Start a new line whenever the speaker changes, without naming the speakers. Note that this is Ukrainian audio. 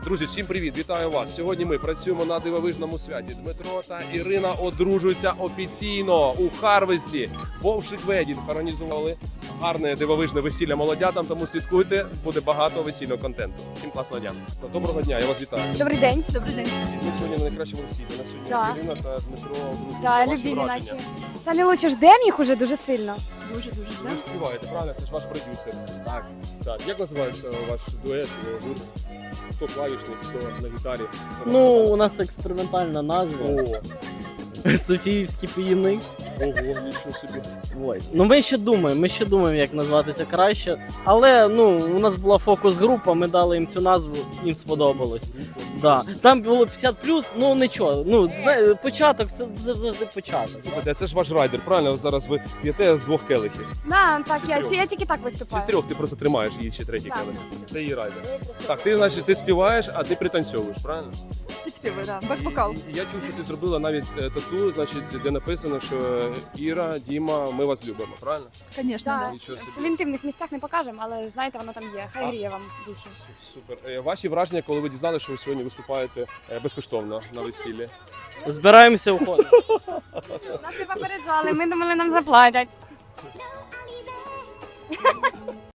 Друзі, всім привіт! Вітаю вас! Сьогодні ми працюємо на дивовижному святі. Дмитро та Ірина одружуються офіційно у Харвесті. Вовшик Ведінг організували гарне дивовижне весілля молодятам, тому слідкуйте, буде багато весільного контенту. Всім класного дня! Доброго дня, я вас вітаю.
Добрий день. Добрий день.
Ми сьогодні на найкращому весіллі. На сьогодні
Да.
Ірина та Дмитро одружуються.
Да,
Ваші
любимі
враження?
наші. Самі лучше ждемо їх уже дуже сильно.
Ви ж співаєте, правильно? Це ж ваш продюсер.
Так.
Так. Як називається ваш дует? Гурт? Хто клавішник, хто на гітарі?
Ну, у нас експериментальна назва.
О,
Софіївські піїни.
ого, нічого собі.
Ой. Ну ми ще думаємо, як назватися краще. Але ну, у нас була фокус-група, ми дали їм цю назву, їм сподобалось. Да. Там було 50+, ну нічого. Ну, початок це завжди початок.
Слухайте, а це ж ваш райдер, правильно? Зараз ви п'єте з двох келихів.
Да, так,
Чи з
я
трьох?
тільки так
Чи
виступаю.
з трьох ти просто тримаєш її ще третій
Так.
келих? Це її райдер. Так, ти, значить, ти співаєш, а ти пританцьовуєш, правильно?
Підспівую, да. Бек-вокал.
І я чув, що ти зробила навіть тату, значить, де написано, що Іра, Діма, ми вас любимо, правильно?
Конечно,
Да.
да.
Нічого собі.
В інтимних місцях не покажемо, але знаєте, воно там є. Хай гріє вам душу.
Супер. Ваші враження, коли ви дізналися, що ви сьогодні виступаєте безкоштовно на весіллі?
Збираємося уходити.
Нас не попереджали, ми думали, нам заплатять.